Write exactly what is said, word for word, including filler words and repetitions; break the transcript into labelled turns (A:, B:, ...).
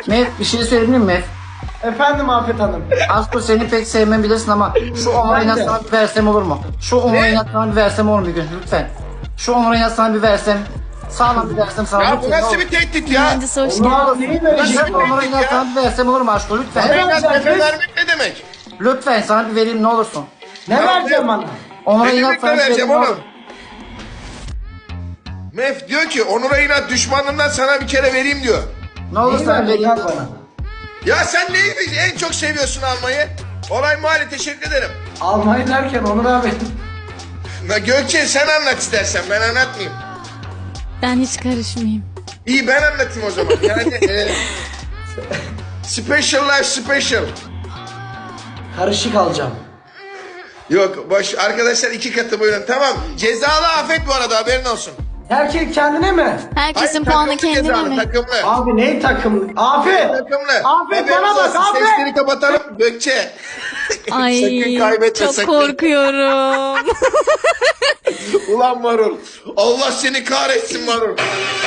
A: Mef bir şey söyleyebilir miyim Mef?
B: Efendim Afet Hanım.
A: Aşkım seni pek sevmem bilirsin ama şu onurayı
B: Ben de.
A: sana bir versem olur mu? Şu onurayı sana bir versem olur mu bir gün lütfen? Şu onurayı sana bir versem. Sağlam bir versem sana
C: Ya
A: lütfen.
C: bu nasıl
A: olur.
C: bir tehdit ya?
D: Mühendis hoş
B: Onu
D: geldin.
B: al neyi
A: Ben
B: verecek
A: şu
B: bu?
A: onurayı sana bir versem olur mu aşkım lütfen?
B: Evet.
C: Beyler
B: vereceğim
C: tepe
B: kız?
C: vermek ne demek?
A: Lütfen sana bir vereyim ne olursun.
B: Ne
C: Ya
B: vereceğim
C: ben-
B: bana?
C: Ne
A: Onurayı
C: demek
A: sana
C: ne
A: bir vereyim
C: vereceğim
A: ne olur.
C: oğlum? Mef diyor ki Onur'a inat düşmanından sana bir kere vereyim diyor.
A: Ne olur
B: Neyi
A: sana
B: verecek
A: vereyim.
B: lan bana?
C: Ya sen neyi en çok seviyorsun almayı? Olay Mahalle teşekkür ederim.
B: Almayı derken Onur abi.
C: Na Gökçe sen anlat istersen ben anlatmayayım.
D: Ben hiç karışmayayım.
C: İyi ben anlatayım o zaman. Yani e, special life special.
B: Karışık alacağım.
C: Yok boş arkadaşlar iki katı buyurun tamam. Cezalı afet bu arada haberin olsun.
B: Herkes kendine mi?
D: Herkesin
C: Hayır,
D: puanı
C: takımlı
D: kendine
C: cezalı,
D: mi?
C: Takımlı.
B: Abi ne takım? Afet!
C: Takımlı.
B: Afet
C: Haberiniz
B: bana bak
C: olsun,
B: Afet!
C: Sesleri kapatalım Gökçe.
D: Ay
C: Sakın kaybetme,
D: çok
C: sakın.
D: korkuyorum.
C: Ulan marul. Allah seni kahretsin marul.